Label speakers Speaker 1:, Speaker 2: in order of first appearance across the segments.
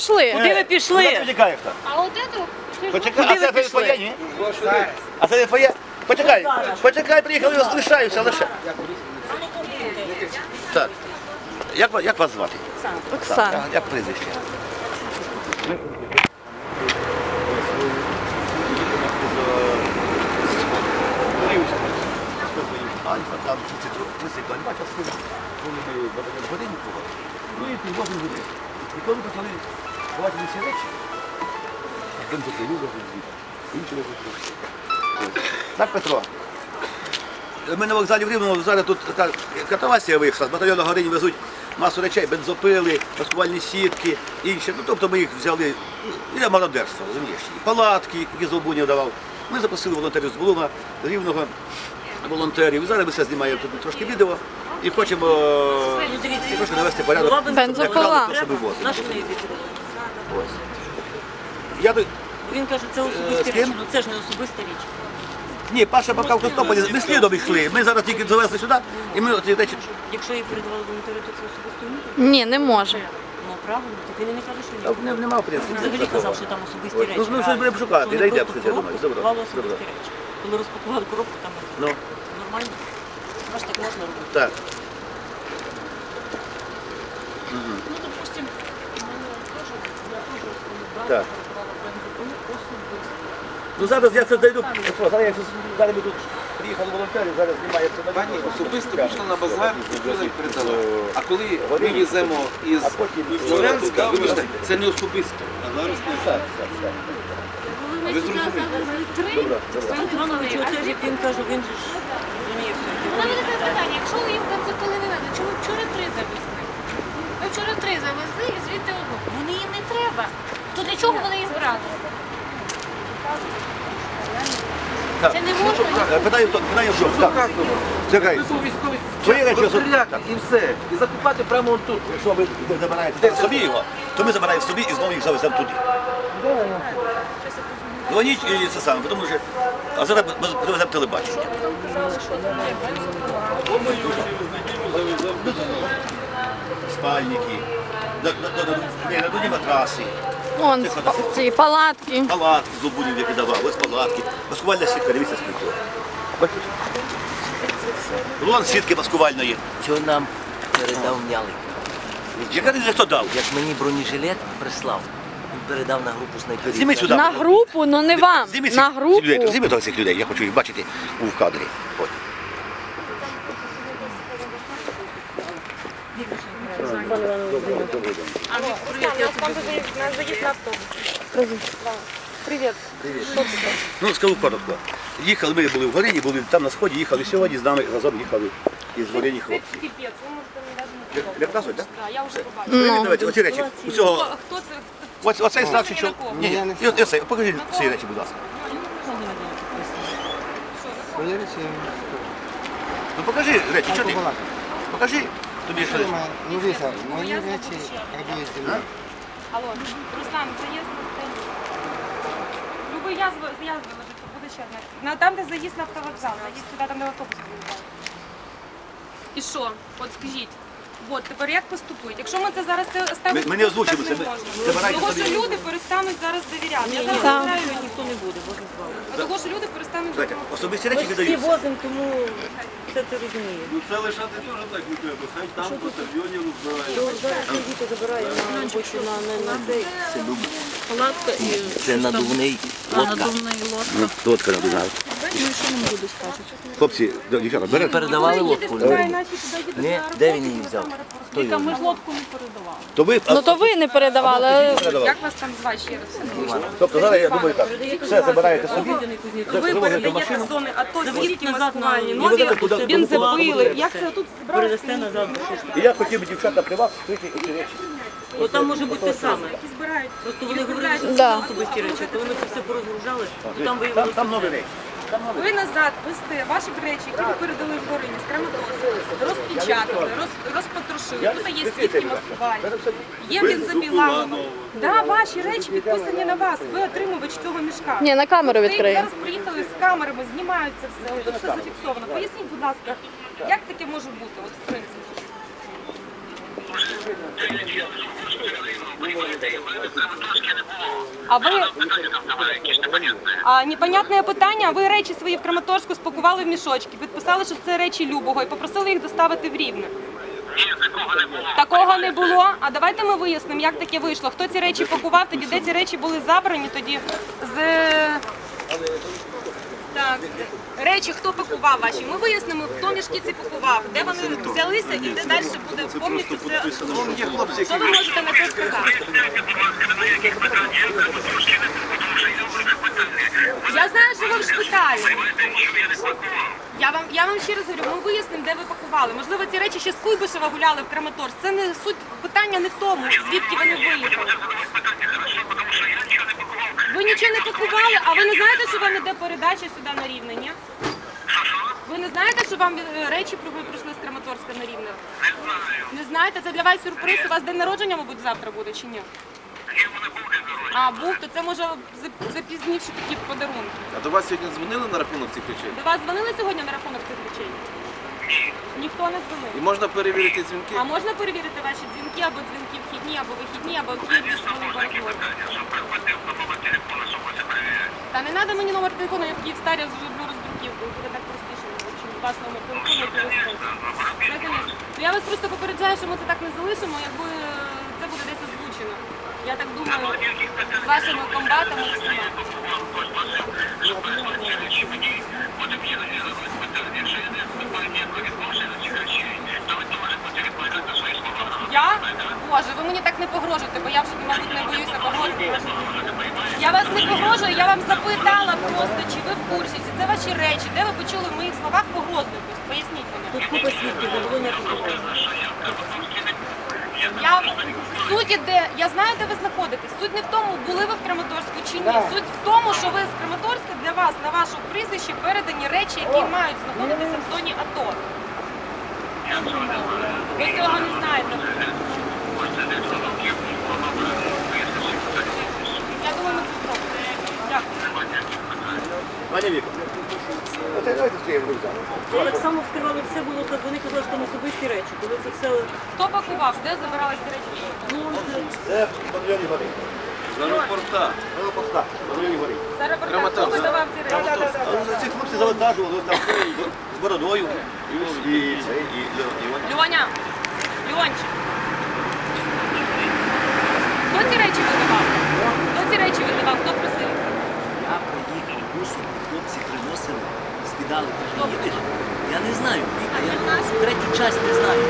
Speaker 1: Пішли.
Speaker 2: Куди ви пішли?
Speaker 3: Куди ти втікаєш там?
Speaker 4: А от это...
Speaker 3: Почекай,
Speaker 2: Куди
Speaker 3: а
Speaker 2: ви
Speaker 3: це
Speaker 2: пішли?
Speaker 3: твоє, ні? А це не твоє? Почекай, почекай, приїхали, лишаюся, лише. Так, як вас звати?
Speaker 1: Оксана.
Speaker 3: Як прізвище? Там трусик, бачиш, коли годинникова, ну і півгодин годин. І коли почали ховати всі речі, один закрив, інші не. Так, Петро, ми на вокзалі в Рівному, зараз тут така катавасія вийшла, з батальйону Горині везуть масу речей, бензопили, маскувальні сітки, інші. Ну, тобто ми їх взяли, і мародерство, розумієш, і палатки, які Золбунів давав. Ми запросили волонтерів з Булуна, з Рівного, волонтерів. І зараз ми все знімаємо тут трошки відео і хочемо трошки навести порядок.
Speaker 1: Бензопила.
Speaker 3: Я до...
Speaker 2: Він каже, це особиста
Speaker 3: З ким?
Speaker 2: річ. Ну це ж не особиста річ.
Speaker 3: Ні, Паша поки в Костополі, ми слідом йшли. Ми зараз тільки завезли сюди, і ми ці речі...
Speaker 2: Якщо її передавали волонтери, то це особисто не?
Speaker 1: Ні, не може.
Speaker 2: Ну правильно, так він і не каже, що ні.
Speaker 3: Нема в принципі.
Speaker 2: Він взагалі казав, що там особисті речі.
Speaker 3: Ну, щось будемо шукати,
Speaker 2: Вони
Speaker 3: знайдемо
Speaker 2: просто
Speaker 3: щось, я думаю.
Speaker 2: коробку
Speaker 3: Добре.
Speaker 2: клали особисті речі. Коли розпакували коробку, там
Speaker 3: Ну,
Speaker 2: нормально. Аж так можна робити.
Speaker 3: так.
Speaker 4: Ну, допустим,
Speaker 3: Так. Ну зараз я щось зайду, зараз ми тут приїхали волонтери, зараз знімає все на
Speaker 5: Пані
Speaker 3: відео.
Speaker 5: особисто пішла на базар, і передала. А коли ми веземо із
Speaker 3: А потім
Speaker 5: Слов'янська, вибачте, це не особисто. А зараз не так.
Speaker 4: коли ми сюди завезли три,
Speaker 2: Стан Іванович, теж, як він каже, він же ж розуміє все.
Speaker 4: у мене таке питання, якщо ви їм бензопили не надо, чому вчора три завезли? Ви вчора три завезли і звідти одну. Вони їм не треба. То для чого вони їх брали? Це не можна.
Speaker 3: Питаю в чому? Так. Чекай.
Speaker 5: Ви був військовий
Speaker 3: Твої речі
Speaker 5: розстріляти і все. І закупати прямо тут.
Speaker 3: Якщо ви забираєте собі його, то ми забираємо собі і знову їх завеземо туди. Дзвоніть і це саме, тому що... А зараз ми привеземо телебачення. Спальники, надувні матраси,
Speaker 1: Вон ці палатки.
Speaker 3: палатки з Лубунів, які давав, ось палатки, маскувальна сітка, дивіться скільки. Бачите? Рулон сітки маскувальної.
Speaker 6: Що нам передав М'ялик?
Speaker 3: Яка не хто дав?
Speaker 6: Як мені бронежилет прислав, він передав на групу снайперів.
Speaker 3: Зніміть сюди.
Speaker 1: На групу, ну не вам.
Speaker 3: Зніміть
Speaker 1: На
Speaker 3: цих людей,
Speaker 1: групу.
Speaker 3: зніміть цих людей, я хочу їх бачити у кадрі. От. Ну, скажу коротко. Їхали, ми були в Горині, були там на сході, їхали сьогодні, з нами разом їхали із Горині хлопці.
Speaker 4: Піпець, ви можете не навіть не
Speaker 3: Показують, так?
Speaker 4: Так, я вже побачила.
Speaker 1: Ну.
Speaker 3: Давайте, оці речі. Усього,
Speaker 4: Хто це?
Speaker 3: оцей старший чоловік. Ні, ні, оцей, покажіть ці речі, будь ласка. Ну покажи речі, що ти? Покажи. Тобі що?
Speaker 7: Ну, дивіться, мої речі прибують зі мною.
Speaker 4: Алло, Руслан, заїзд на Любий я заїзд виложить, то буде ще одне. Там, де заїзд на автовокзал, заїзд сюди, там де автобус виїжджає. І що? От скажіть. От, тепер як поступити? Якщо ми це зараз ставимо,
Speaker 3: Ми не озвучимо це, ми забирайте
Speaker 4: Того,
Speaker 3: собі.
Speaker 4: що люди перестануть зараз довіряти. Я зараз
Speaker 1: Так.
Speaker 4: довіряю людям.
Speaker 2: Ніхто не буде, Боже збав.
Speaker 4: Того, що люди перестануть
Speaker 3: Знаєте,
Speaker 4: довіряти.
Speaker 3: особисті
Speaker 2: Ми
Speaker 3: речі
Speaker 2: ж всі
Speaker 3: віддаються.
Speaker 2: возимо, тому все це розуміє.
Speaker 5: Ну це лишати теж так не треба. Хай там батальйоні розбирають.
Speaker 2: То зараз діти забирає на робочу на цей. Палатка і
Speaker 6: Це надувний лодка.
Speaker 2: надувний лодка.
Speaker 3: Ну, лодка надувна. Хлопці, дівчата, берете?
Speaker 6: Передавали лодку?
Speaker 4: Давай, наші туди їдуть
Speaker 6: Ні,
Speaker 4: на
Speaker 6: де
Speaker 4: роботу,
Speaker 6: він її
Speaker 4: ми
Speaker 6: взяв?
Speaker 4: там
Speaker 6: Хто його?
Speaker 2: Ми ж лодку не передавали.
Speaker 3: То ви,
Speaker 1: Ну то ви не передавали.
Speaker 4: Як вас там звати ще раз?
Speaker 3: тобто зараз я думаю так, все забираєте собі,
Speaker 4: Ви
Speaker 3: завозите в
Speaker 4: передаєте
Speaker 3: машину.
Speaker 4: з зони АТО,
Speaker 2: Завозите
Speaker 4: звідки
Speaker 2: назад
Speaker 4: маскувальні
Speaker 2: на-
Speaker 4: нозі,
Speaker 3: куди-
Speaker 4: бензопили. Як це тут
Speaker 2: Передасте
Speaker 4: зібрали?
Speaker 2: назад.
Speaker 3: І я хотів би дівчата при вас скрити ці речі.
Speaker 2: Бо там може бути те саме.
Speaker 4: Які збирають.
Speaker 2: Просто вони говорили, що
Speaker 1: Да.
Speaker 2: це особисті речі. Коли ми це все порозгружали, то там
Speaker 3: Там
Speaker 2: виявилося.
Speaker 3: нові речі.
Speaker 4: Ви назад вести ваші речі, які ви передали в Горині, з Краматорська, розпечатали, розпотрошили. Тут є свідки маскувальні, є бензопіла. Да, ваші речі підписані на вас. Ви отримувач цього мішка.
Speaker 1: Ні, на камеру
Speaker 4: Ви
Speaker 1: відкриємо.
Speaker 4: зараз приїхали з камерами, знімаються все, тут все зафіксовано. Поясніть, будь ласка, як таке може бути, от в принципі? А ви... непонятне питання, ви речі свої в Краматорську спакували в мішочки, підписали, що це речі Любого і попросили їх доставити в Рівне. Такого не було. А давайте ми вияснимо, як таке вийшло. Хто ці речі пакував, тоді де ці речі були забрані, тоді з... Так, речі, хто пакував ваші? Ми вияснимо, хто мішки ці пакував, де вони взялися і де далі буде повністю все. Що ви можете на це сказати? Я знаю, що ви в шпиталі. Я вам ще раз говорю, ми вияснимо, де ви пакували. Можливо, ці речі ще з Куйбишева гуляли в Краматорськ. Це не суть питання не в тому, звідки вони виїхали. Ви нічого не пакували, а ви не знаєте, що вам іде передача сюди на Рівне, ні? Ви не знаєте, що вам речі прийшли з Краматорська на Рівне? Не знаєте? Це для вас сюрприз. У вас день народження, мабуть, завтра буде чи ні? А, був, то це може запізнивши такі подарунки.
Speaker 5: А до вас сьогодні дзвонили на рахунок цих речей?
Speaker 4: До вас дзвонили сьогодні на рахунок цих речей? Ніхто не дзвонив.
Speaker 5: І можна перевірити дзвінки?
Speaker 4: А можна перевірити ваші дзвінки, або дзвінки вхідні, або вихідні, або вхідні розмови? Та не треба мені номер телефону, я в Київстарі зроблю роздруківку, буде так простіше, чим ваш номер телефону, який ви скажете. Я вас просто попереджаю, що ми це так не залишимо, якби це буде десь озвучено. Я так думаю, з вашими комбатами і всіма. Я? Боже, ви мені так не погрожуєте, бо я вже, мабуть, не боюся погрозити. Я вас не погрожую, я вам запитала просто, чи ви в курсі, чи це ваші речі, де ви почули в моїх словах погрозу якусь? Поясніть мені.
Speaker 2: Тут купа свідків, не було ніякого.
Speaker 4: Суть іде, я знаю, де ви знаходитесь. Суть не в тому, були ви в Краматорську чи ні. Суть в тому, що ви з Краматорська для вас, на ваше прізвище, передані речі, які мають знаходитися в зоні АТО. Ви цього не знаєте. Я думаю, ми це зробимо. Дякую.
Speaker 3: Пані Віка, оце давайте стоїмо рюкзак.
Speaker 2: Ви так само вскривали все було, так вони казали, що там особисті речі. Коли це все...
Speaker 4: Хто пакував? Де забиралися речі?
Speaker 3: Це в павільйоні гори.
Speaker 5: З аеропорта.
Speaker 3: Аеропорта, в павільйоні гори.
Speaker 4: Це репортаж. Хто видавав ці речі?
Speaker 3: Ці хлопці завантажували там з бородою. І
Speaker 4: Льоня, Льончик. Хто ці речі видавав? Хто ці речі видавав? Хто просив?
Speaker 6: Я приїхав бусом, хлопці приносили, скидали, кажуть, їдеш? Я не знаю, Віка, я третій час не знаю.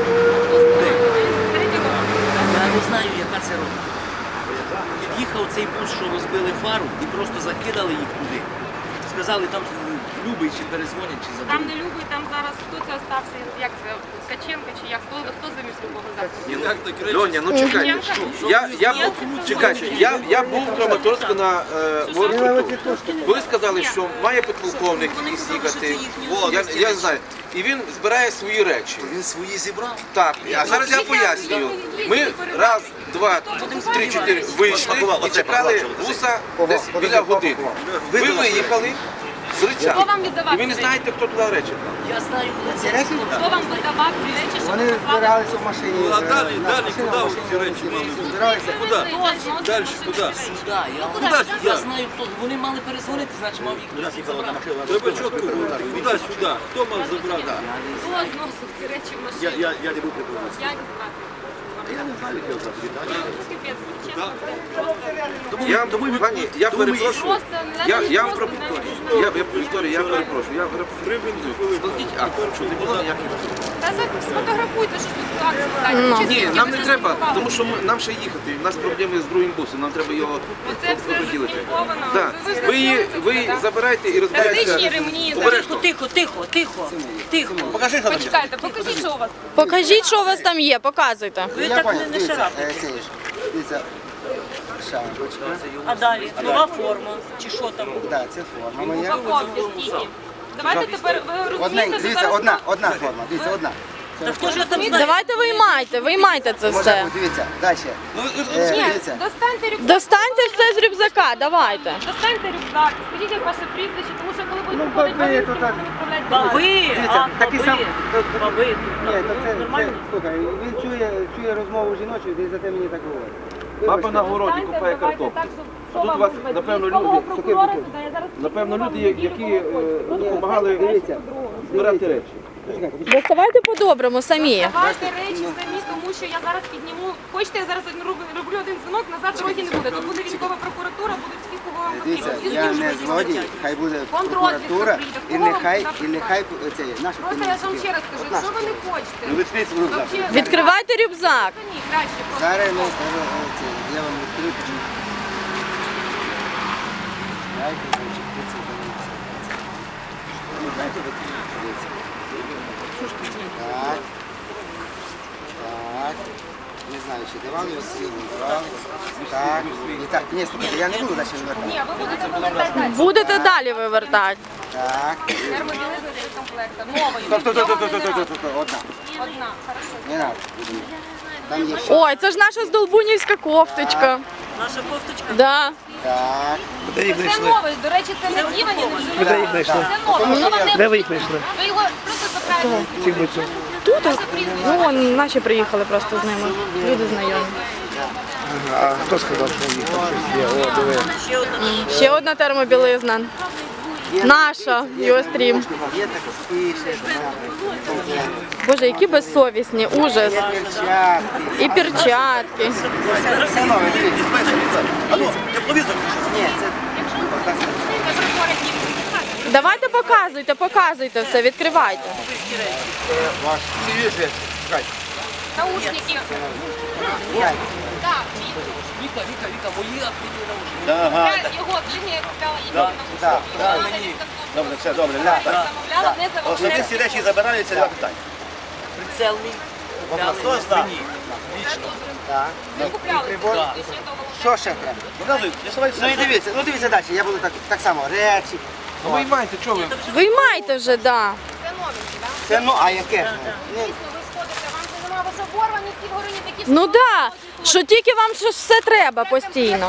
Speaker 6: Я не знаю, яка це рота. Під'їхав цей бус, що розбили фару, і просто закидали їх туди. Сказали, там Любий чи перезвонять, чи
Speaker 4: Там
Speaker 6: заберуть.
Speaker 4: не Любий, там зараз хто це остався, як це, Ткаченко чи як, хто замість Любого завтра?
Speaker 5: Льоня, ну чекайте. Чекайте, я був в Краматорську на аеропорту. Коли сказали, що має підполковник якийсь їхати, я не знаю. І він збирає свої речі.
Speaker 6: Він свої зібрав.
Speaker 5: Так, а зараз я пояснюю. Ми раз, два, три, чотири вийшли і чекали буса десь біля години. Ви виїхали з речами.
Speaker 4: Хто вам віддавав
Speaker 5: І ви не
Speaker 4: ці
Speaker 5: знаєте, хто туди речі клав.
Speaker 6: Я знаю, де
Speaker 7: Ці
Speaker 6: це.
Speaker 7: речі?
Speaker 4: Хто вам видавав ці речі, щоб
Speaker 7: Вони
Speaker 4: ви поклали?
Speaker 7: збиралися в машині.
Speaker 8: А далі куди ці речі мали?
Speaker 7: Збиралися.
Speaker 8: Куди? Далі, куди?
Speaker 6: Сюди. Я знаю, хто. Вони мали перезвонити, значить мав їх хтось забрати.
Speaker 8: Треба чітко говорити. Куди сюди? Хто мав забрати?
Speaker 4: Хто зносив ці речі в машину?
Speaker 3: Я не був прикладний.
Speaker 4: Я не знаю.
Speaker 3: Я не знаю, як його звати.
Speaker 4: Капець, чесно.
Speaker 5: Пані, я перепрошую.
Speaker 4: Просто
Speaker 5: Я вам Вікторія, я перепрошую. Я складіть акт, що не було ніяких.
Speaker 4: Та сфотографуйте, що тут акція.
Speaker 5: Ні, нам не треба, тому що нам ще їхати. У нас проблеми з другим бусом, нам треба його
Speaker 4: Оце все
Speaker 5: розділити.
Speaker 4: заслідковано.
Speaker 5: Так. Ви забирайте і
Speaker 4: Тактичні
Speaker 5: розбирайтеся.
Speaker 4: ремні.
Speaker 5: Обережно.
Speaker 2: Тихо.
Speaker 3: Покажи, що там є.
Speaker 4: Почекайте, покажіть, що у вас.
Speaker 1: Покажіть, що у вас там є, показуйте.
Speaker 2: Ви
Speaker 7: Я
Speaker 2: так
Speaker 7: понял,
Speaker 2: не
Speaker 7: дивіться,
Speaker 2: шарапайте.
Speaker 7: дивіться, шапочка.
Speaker 2: А далі? Нова форма. Чи що там?
Speaker 7: Так, це форма моя.
Speaker 4: Упаковки скільки. Давайте тепер ви розумієте, що
Speaker 7: Дивіться,
Speaker 4: зараз...
Speaker 7: одна форма, дивіться, одна.
Speaker 6: Та хто ж там знає?
Speaker 1: Давайте виймайте це все.
Speaker 7: Дивіться, далі. Дивіться.
Speaker 4: Достаньте рюкзак.
Speaker 1: Достаньте все з рюкзака, давайте.
Speaker 4: Достаньте рюкзак, скажіть, як ваше прізвище, тому що коли будете
Speaker 7: баби,
Speaker 4: виходити,
Speaker 7: то
Speaker 4: ви
Speaker 7: так.
Speaker 4: будете відправляти.
Speaker 7: Дивіться, такий сам.
Speaker 6: Баби.
Speaker 7: Ні, то це, слухай, він чує розмову жіночу, і за те мені так говорить.
Speaker 5: Баба на городі
Speaker 4: Достаньте,
Speaker 5: купає
Speaker 4: давайте
Speaker 5: картоплю.
Speaker 4: так, щоб
Speaker 5: А тут у вас, напевно, люди, напевно, люди, які допомагали
Speaker 7: Дивіться,
Speaker 5: збирати речі.
Speaker 1: Доставайте по-доброму самі.
Speaker 4: Давайте речі самі, тому що я зараз підніму. Хочете, я зараз роблю один дзвінок, назад дороги не буде. Тут буде військова прокуратура, будуть всі, кого вам
Speaker 7: Дивіться,
Speaker 4: потрібно. Всі
Speaker 7: я
Speaker 4: служби
Speaker 7: не
Speaker 4: всі
Speaker 7: злодій,
Speaker 4: стоять.
Speaker 7: хай буде
Speaker 4: Контррозвідка
Speaker 7: прокуратура,
Speaker 4: прийде.
Speaker 7: і
Speaker 4: Кого вам
Speaker 7: нехай
Speaker 4: туди
Speaker 7: це, наші
Speaker 4: Просто я ж вам ще раз кажу, якщо ви не хочете,
Speaker 3: Ну, відкрийте рюкзак.
Speaker 4: взагалі,
Speaker 1: Відкривайте рюкзак.
Speaker 4: самі краще просто.
Speaker 7: Зараз ми, я вам відкрию, почну. Дайте, значить, дивіться, дивіться. Ну, дайте, дивіться. Так. Так. Не знаю, чи давали його сьогодні, давали. Так. І так, ні, слухайте, я не буду далі вивертати.
Speaker 4: Ні, ви будете повертати далі.
Speaker 1: Будете далі вивертати.
Speaker 7: Так.
Speaker 4: Термобілизна для комплекта. Нової.
Speaker 7: Стоп, одна.
Speaker 4: Одна. Хорошо.
Speaker 7: Не надо. Там є ще.
Speaker 1: Ой, це ж наша здолбунівська кофточка.
Speaker 6: Наша кофточка.
Speaker 1: Да.
Speaker 7: Так.
Speaker 4: Це новий. До речі, це не дівані, не вживані. Це нове. Воно вам не
Speaker 7: Де ви їх знайшли?
Speaker 4: Ви його просто забираєте.
Speaker 1: Тут? Ну, вон, наші приїхали просто з ними. Люди знайомі.
Speaker 7: А хто сказав, що їх там щось є? О, диви.
Speaker 6: Ще одна.
Speaker 1: Ще одна термобілизна. Наша, Юострім.
Speaker 7: Є так спише.
Speaker 1: Боже, які безсовісні, ужас.
Speaker 7: Перчатки.
Speaker 1: І перчатки.
Speaker 7: Все нове, дивіться.
Speaker 3: А ну, тепловізор.
Speaker 7: Ні, це...
Speaker 1: Давайте показуйте все, відкривайте.
Speaker 4: Наушники. Так,
Speaker 6: Віка, мої активні наушники.
Speaker 3: Ага.
Speaker 4: я його длинні купляла, їх наушники.
Speaker 7: Так,
Speaker 3: Добре, все, добре.
Speaker 4: Замовляла, не
Speaker 3: Ось ці
Speaker 4: замовляла.
Speaker 3: всі речі забираються, два питання.
Speaker 6: Прицел мій.
Speaker 3: Хто знає?
Speaker 7: так.
Speaker 4: Не купляли.
Speaker 7: Прибор.
Speaker 4: Ще того.
Speaker 7: Що ще треба?
Speaker 3: Показуй, я суваю
Speaker 7: Ну і
Speaker 3: все.
Speaker 7: дивіться далі. Я буду так само. Речі.
Speaker 5: Ну виймайте, чого ви?
Speaker 1: Виймайте вже, да.
Speaker 4: Це новенькі, так?
Speaker 7: Це, ну, а яке?
Speaker 4: Дійсно, ви сходите, вам це немає, ви ж оборвані, ці в гороні такі
Speaker 1: Ну да, що тільки вам щось все треба постійно.